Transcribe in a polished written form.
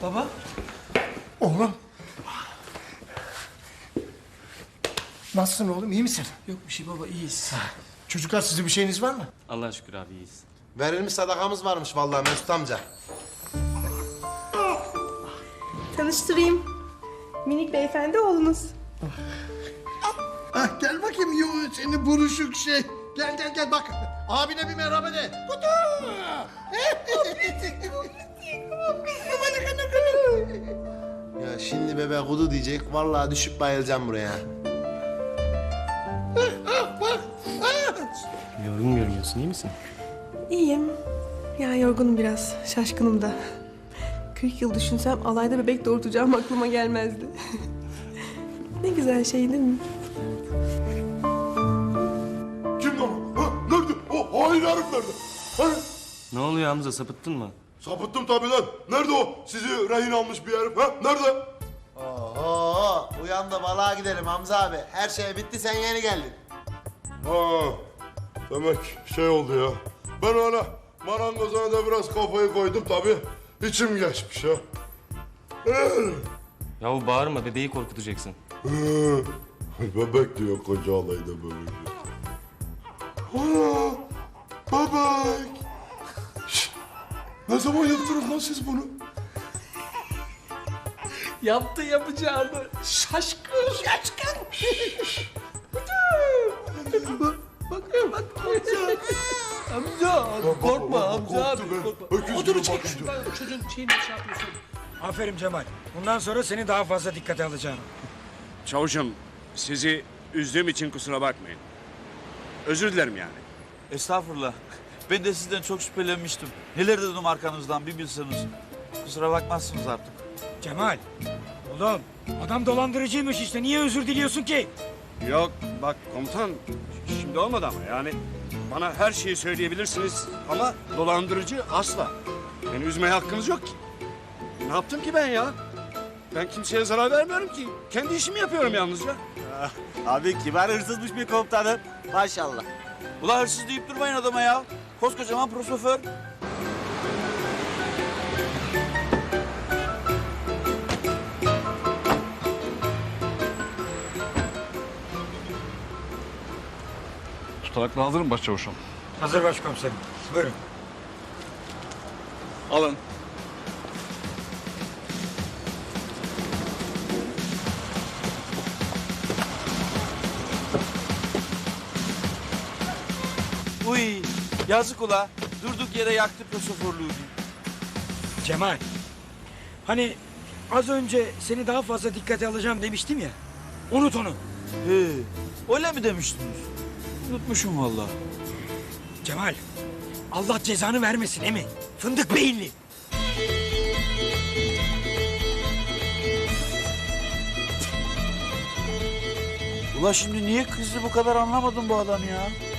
Baba. Oğlum. Nasılsın oğlum, iyi misin? Yok bir şey baba, iyiyiz. Çocuklar, sizin bir şeyiniz var mı? Allah'a şükür abi iyiyiz. Verilmiş sadakamız varmış vallahi Mesut amca. Tanıştırayım. Minik beyefendi oğlunuz. Ah, gel bakayım yo seni buruşuk şey. Gel bak. Abine bir merhaba de. Kutu. Ya şimdi bebe kudu diyecek vallahi düşüp bayılacağım buraya. Yorgun görünüyorsun, iyi misin? İyiyim. Ya yorgunum biraz, şaşkınım da. 40 yıl düşünsem alayda bebek doğurtacağım aklıma gelmezdi. Ne güzel şey değil mi? Kim lan o? Ha? Nerede? O hain herif nerede? Ha? Ne oluyor Hamza, sapıttın mı? Sapıttım tabii lan. Nerede o? Sizi rehin almış bir herif. Ha? Nerede? Oho, uyan da balığa gidelim Hamza abi. Her şey bitti, sen yeni geldin. Ha, demek şey oldu ya. Ben öyle marangozuna da biraz kafayı koydum tabii. İçim geçmiş ya. Yahu bağırma, bebeği korkutacaksın. Bebek diyor koca alayda bebek. Ana, bebek. Şşt, ne zaman yaptınız lan siz bunu? Yaptı yapacağını. Şaşkın. Amca, korkma amca abi. Korkma. Odunu çek şuradan, çocuğun şeyini şey yapıyorsun. Aferin Cemal. Bundan sonra seni daha fazla dikkate alacağım. Çavuşum, sizi üzdüğüm için kusura bakmayın. Özür dilerim yani. Estağfurullah. Ben de sizden çok şüphelenmiştim. Neler dedim arkanızdan bir bilseniz. Kusura bakmazsınız artık. Cemal, oğlum adam dolandırıcıymış işte. Niye özür diliyorsun ki? Yok, bak komutan, şimdi olmadı ama yani... Bana her şeyi söyleyebilirsiniz ama dolandırıcı asla. Beni üzmeye hakkınız yok ki. Ne yaptım ki ben ya? Ben kimseye zarar vermiyorum ki. Kendi işimi yapıyorum yalnızca. Abi kibar hırsızmış bir komutanım. Maşallah. Ulan hırsız deyip durmayın adama ya. Koskocaman prosoför. Tutanakla hazır mı başçavuşum? Hazır başkomiserim. Buyurun. Alın. Uy yazık ula. Durduk yere yaktı prosoförlüğünü. Cemal, hani az önce seni daha fazla dikkate alacağım demiştim ya. Unut onu. He, öyle mi demiştiniz? Unutmuşum vallahi. Cemal, Allah cezanı vermesin değil mi? Fındık beyinli. Ula şimdi niye kızdı bu kadar anlamadım bu adam ya.